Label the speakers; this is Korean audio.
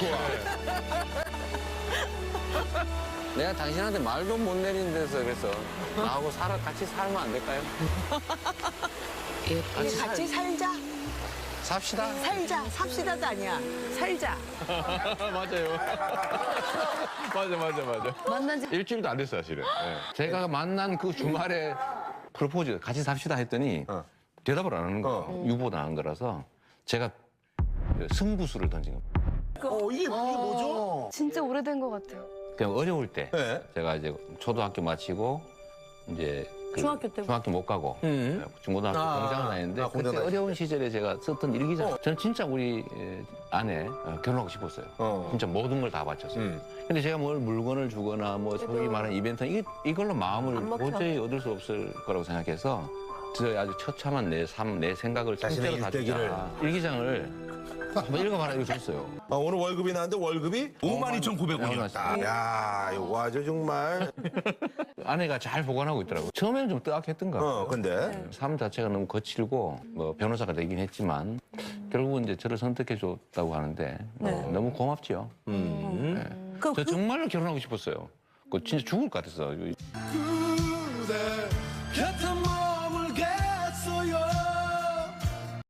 Speaker 1: 좋아.
Speaker 2: 내가 당신한테 말도 못 내리는 데서 그래서 나하고 같이 살면 안 될까요?
Speaker 3: 우리 같이 살자.
Speaker 2: 삽시다.
Speaker 3: 살자. 삽시다도 아니야. 살자.
Speaker 1: 맞아요. 맞아.
Speaker 4: 만난 지
Speaker 1: 일주일도 안 됐어요, 사실은. 네.
Speaker 2: 제가 만난 그 주말에 프로포즈 같이 삽시다 했더니 대답을 안 하는 거예요. 유보도 안 하는 거라서 제가 승부수를 던진 겁니다.
Speaker 1: 이게 뭐죠?
Speaker 4: 진짜 오래된 것 같아요.
Speaker 2: 그냥 어려울 때
Speaker 1: 네.
Speaker 2: 제가 이제 초등학교 마치고 이제
Speaker 4: 중학교 때.
Speaker 2: 중학교 못 가고 중고등학교 공장을 다녔는데 그때
Speaker 1: 공장
Speaker 2: 어려운 시절에 제가 썼던 일기장 저는 진짜 우리 아내 결혼하고 싶었어요. 진짜 모든 걸 다 바쳤어요. 근데 제가 뭘 물건을 주거나 뭐 소위 말하는 이벤트 이걸로 마음을 도저히 얻을 수 없을 거라고 생각해서 저 아주 처참한 내 삶, 내 생각을
Speaker 1: 자신의
Speaker 2: 통째로 다
Speaker 1: 일대기를.
Speaker 2: 주자. 일기장을 한번 읽어봐라 이거 줬어요.
Speaker 1: 오늘 월급이 나왔는데 월급이 52,900원이었다. 야, 이거 아주 정말.
Speaker 2: 아내가 잘 보관하고 있더라고요. 처음에는 좀 뜨악했던가.
Speaker 1: 근데.
Speaker 2: 삶 자체가 너무 거칠고 뭐 변호사가 되긴 했지만 결국은 이제 저를 선택해 줬다고 하는데 너무 고맙지요. 저 정말로 결혼하고 싶었어요. 그 진짜 죽을 것 같았어.
Speaker 5: 그대 곁에